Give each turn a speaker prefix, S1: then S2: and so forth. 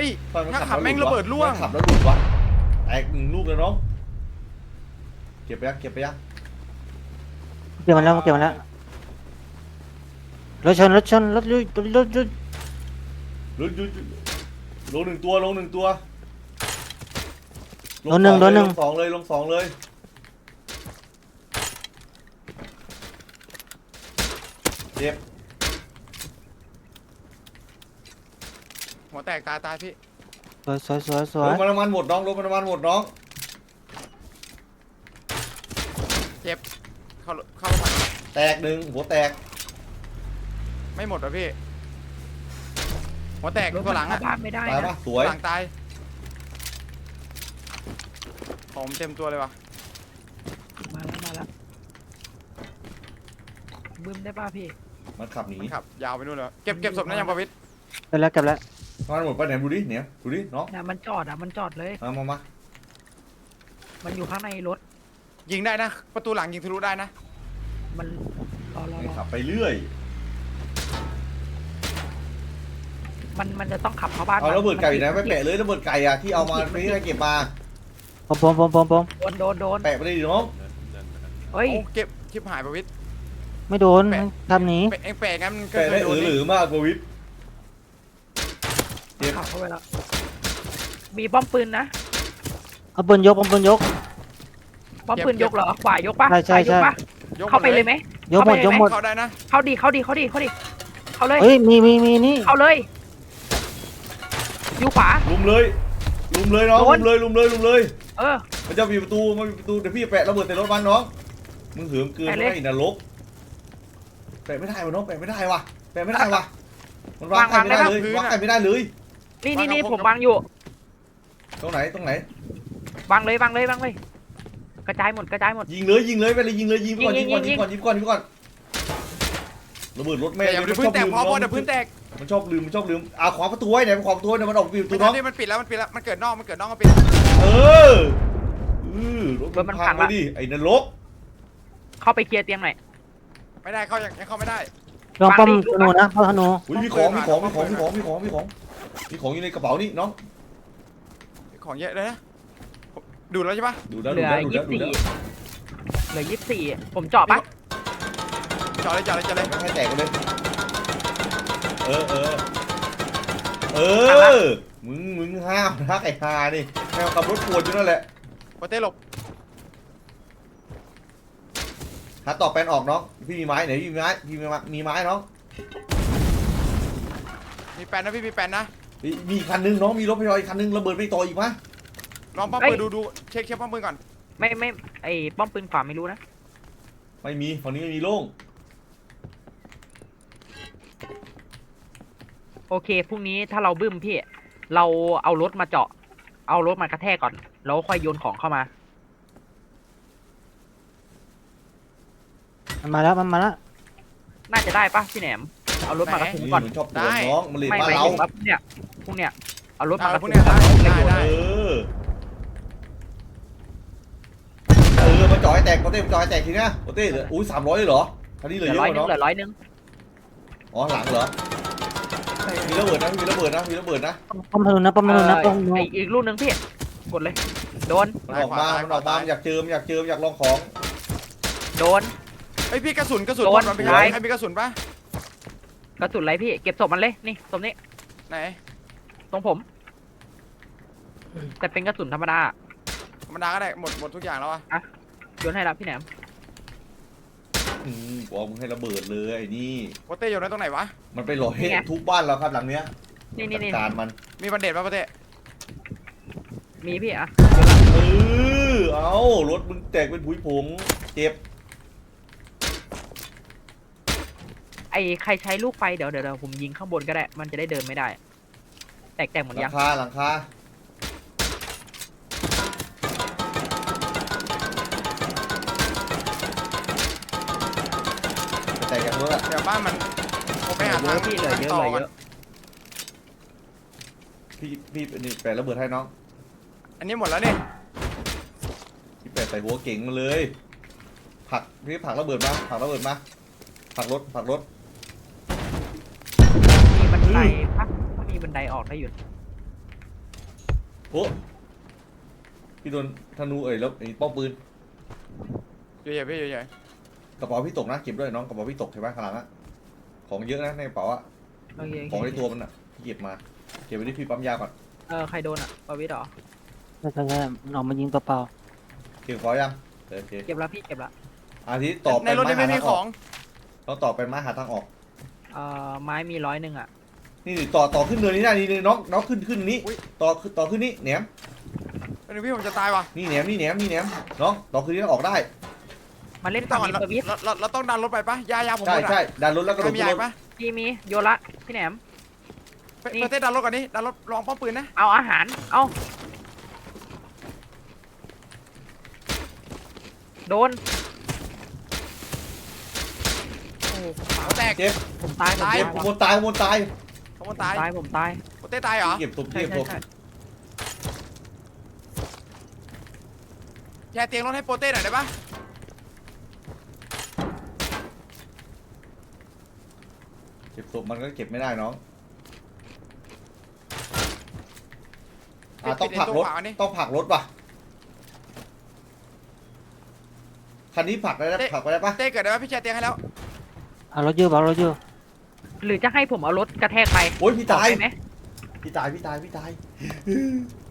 S1: ฮ้ย
S2: ถ้า
S1: ถ้าขับแม่งระเบิดร่วง
S2: ขับแล้วหลุดวะแตกหนึ่งลูกเลยน้องเก็บไปยังเก็บไปยัง
S3: เก็บมันแล้วเก็บมันแล้วรถชนรถชนรถยุยรถยุย
S2: ลงหนึ่งตัวลงหนึ่งตัว
S3: โดนหนึ่ง
S2: ลงสองเลยลงสองเลยเจ็บ
S1: หัวแตกตายพี่
S3: สวย
S2: รถมันน้ำมันหมดน้องรถมันน้ำมันหมดน้อง
S1: เจ็บเข้าไป
S2: แตกหนึ่งหัวแตก
S1: ไม่หมดเหรอพี่หัวแตก
S4: รถ
S1: ตัวหลัง
S4: เข้า
S1: อะ
S4: บ้านไม่ได้
S2: ตาย
S4: นะ
S2: ปะสวย
S1: หลังตายผมเต็มตัวเลยวะ
S4: มาแล้วบึ้มได้ป่ะพี่
S2: มันขับหนี
S1: ครับยาวไปนู่นเลยเก็บศพนั่นยังประวิตร
S3: เก็บแล้วเก็บแล้ว
S2: มันหมดไปไหนดูดิเนี่ยดูดิน้อง
S4: น่ะมันจอดเลย
S2: มา
S4: มันอยู่ข้างในรถ
S1: ยิงได้นะ ประตูหลังยิงทะลุได้นะ
S4: มันรอ
S2: ไม่ขับไปเรื่อย
S4: มันจะต้องขับเข้าบ้าน
S2: เอาระเบิดไก่อยู่ไหนไม่แปะเลยระเบิดไก่อะที่เอามาไม่ได้เก็บมา
S3: ผม
S4: โดน
S2: แปะไปเลยดิน้อง
S4: เฮ้ย
S1: โอ้เก็บชิบหายประวิตร
S3: ไม่โดนทำหนี
S1: เองแปลกงั้นมันก็
S2: แปะ
S1: เค
S2: ได้
S1: ยโดน
S2: หรือมากกว่าวิทย์
S4: ขับเข้าไปแล้วมีป้อมปืนนะ
S3: เอาปืนยก
S4: ป้อมปืนยกเหรอขวายกป่ะ
S3: ใช่
S4: ขวายกป่ะ
S1: ยก
S4: เข้าไปเลยไหม
S3: ยกหมด
S1: เข้าได้นะ
S4: เข้าดิเข้าเลย
S3: เฮ้ยมีนี่
S4: เข้าเลยอยู่ขวา
S2: ลุมเลยน้อง
S4: โด
S2: ลุ
S4: น
S2: มเลย
S4: เออ
S2: มันจะมีประตูเดี๋ยวพี่แปะระเบิดใส่รถมันน้องมึงเหิมเกิน
S4: แปะเลย
S2: ไม่นรกแปะไม่ได้วะน้องแปะไม่ได้วะมันวางใครไม่ได้เลยวางใครไม่ได้เลย
S4: นี่ผมวางอยู่
S2: ตรงไหน
S4: วางเลยกระจายหมด
S2: ยิงเลยไปเลยยิงก่อนระเบิดรถแม่
S1: อย่าพื้นแตกพอเดี๋ยวพื้นแตก
S2: มันชอบลืมขวางประตูไว้ไหนขวางประตูเนี่ยมันออกปิว
S1: ตั
S2: ตัว วน้อง
S1: นี้มันปิดแล้วมันเกิดนอกก็ปิด
S2: เออรถมันพังไปดิไอ้นรก
S4: เข้าไปเคลียร์เตียงหน่อย
S1: ไม่ได้เข้ายังเข้าไม่ได้
S3: ลองป้อมธนูนะป้อมธนู
S2: มีของอยู่ในกระเป๋านี่น้อง
S1: ของเยอะเลยนะดูแล้วใช่ปะ
S2: ดูแล้ว
S4: เหลือ24ผมเจาะปะ
S1: จอดเลย
S2: ไม่ให้แตกกันเลยมึงห้าวทักไอ้ฮานี่แมวขับรถปวดอยู่นั่นแหละ
S1: โปเต้หลบ
S2: หาต่อแปลนออกน้องพี่มีไม้ไหนพี่มีไม้น้อง
S1: มีแปนนะพี่มีแปนนะ
S2: มีคันนึงน้องมีรถพยาบาลอีกคันนึงระเบิดไปต่ออีกมั้ย
S1: ลองป้อมปืนดูเช็คป้อมปืนก่อน
S4: ไม่ไอ้ป้อมปืนขวาไม่รู้นะ
S2: ไม่มีฝั่งนี้ไม่มีโล่ง
S4: โอเคพรุ่งนี้ถ้าเราบึ้มพี่เราเอารถมาเจาะเอารถมากระแทกก่อนแล้วค่อยโยนของเข้ามา
S3: มันมาแล้ว
S4: น่าจะได้ปะพี่แหนมเอารถมากระทุ้ง
S2: นี่
S4: ก่อน
S2: มันชอบปวดน้องมันเลย
S4: ไม่
S2: บ้าน
S4: ไม่
S2: เรา
S4: ถึงว่าพรุ่งเนี้ยเอารถมากระ
S1: พว
S4: ทุ้
S1: ก
S4: ง
S1: เนี้ย
S4: ก่อน
S1: ได้
S2: มาจ่อยแตกโปเต้จ่อยแตกทีเนี้ยโปเต้เหลืออุ้ย300เลยเหรอคันนี้เหลือเยอะน้อง
S4: เหลือ100
S2: อ๋อหลังเหรอมีระเบิดนะ
S3: ป้อมธนูนะป้อมธนู
S4: ไอ้อีกลูกนึงพี่กดเลยโดน
S2: มันออกมามันอยากเจิมอยากลองของ
S4: โดน
S1: ไอพี่กระสุน
S4: โดน
S1: มันเป็น
S4: ท้าย
S1: ใครมีกระสุนปะ
S4: กระสุนอะไรพี่เก็บศพมันเลยนี่ศพนี้
S1: ไหน
S4: ตรงผม แต่เป็นกระสุนธรรมดา
S1: ธรรมดาก็ได้หมดทุกอย่างแล้วอะ
S4: โยนให้รับพี่แหนม
S2: บอกมึงให้ระเบิดเลยไอ้นี่
S1: โปเต้อยู่ไหนตรงไหนวะ
S2: มันไปหล่อให้ทุกบ้านเราครับหลังเนี้ย
S4: นี่
S2: จัดการมัน
S1: มีบันเดตปะโปเต้
S4: มีพี่อ่ะ
S2: เอารถมึงแตกเป็นผุยผงเจ็บ
S4: ไอ้ใครใช้ลูกไฟเดี๋ยวผมยิงข้างบนก็ได้มันจะได้เดินไม่ได้ แตกหมด
S2: หลั
S4: ยัง
S2: งคาแตกอย่างนู้นอะ
S1: เดี๋ยวบ้านมันผมไปหา
S4: เย
S1: ทาง
S4: อะพี่เหลือเยอะ
S1: ต่
S4: เหลือเย
S1: ก่น
S4: อะ
S2: พี่นี่แปะระเบิดให้น้อง
S1: อันนี้หมดแล้วเนี่ย
S2: พี่แปะใส่หัวเก่งมาเลยผลักระเบิดมาผลักรถ
S4: มีบันไดปะมีบันไดออกได้อยู่
S2: โอ้พี่โดนธนูแล้วไอ้ป้อมปืน
S1: เยอะๆพี่เยอะ
S2: กระเป๋าพี่ตกนะเก็บด้วยน้องกระเป๋าพี่ตกใช่ไหมข้างหลังอะของเยอะนะในกระเป๋าอะ
S4: โอเค
S2: ของในตัวมันอะพี่เก็บมาเก็บไว้ที่พี่ปั๊มยาก่อน
S4: ใครโดนอ่ะประวิตรเหรอ
S3: ใช่มันออกมายิงตัวเปล่า
S2: เก็บของยังโอเค
S4: เก็บแล้วพี่เก็บละ
S2: อาทิตย์ต่อ
S1: ๆ
S2: ไป
S1: ในรถนี่ไม่มีของ
S2: ต้องต่อเป็นไม้หาทางออก
S4: ไม้มี100อ่ะ
S2: นี่ต่อขึ้นเนินนี้ได้นี่น้องขึ้นนี้ต่อขึ้นนี้แหนม
S1: เป็นพี่ผมจะตายว่ะ
S2: นี่แหนมน้องต่อขึ้นนี้ออกได้
S4: มาเล่น
S1: พี่
S4: ฝั่
S1: ต้อง ง
S4: นี้ประวิตร
S1: เราต้องดันรถไปปะยาผมห
S2: ใช่
S1: มดอะ
S2: ใช่ดันรถแล้วกระโดด
S1: มี
S2: ขึ้น
S1: ยาร
S2: ถ
S1: ปะ
S4: พี่มีโยนละพี่แหนม นี่
S1: เต้ดันรถก่อนนี่ดันรถลองป้อมปืนนะ
S4: เอาอาหารเอาโดนโอ้
S1: หัวแตก
S2: เจ็บ
S4: ผมตายผม
S1: ตาย
S2: เจ็บขโมยตาย
S1: ผมตาย
S4: ผมตาย
S1: เต้ตายเหรอ
S2: เก็บศพ
S4: ใช่
S2: เก็บศพ
S4: ใช่
S1: แชร์เตียงรถให้โปเต้หน่อยได้ปะ
S2: เก็บศพมันก็เก็บไม่ได้น้องต้องผลักรถว่ะคันนี้ผลักได้ผลักไปได้ปะ
S1: เต้เกิดได้ปะพี่แชร์เตียงให้แล้ว
S3: เอารถอยู่เอารถอยู่
S4: หรือจะให้ผมเอารถกระแทกไป
S2: โอ้ยพี่ตาย
S4: ได้ไหม
S2: พี่ตาย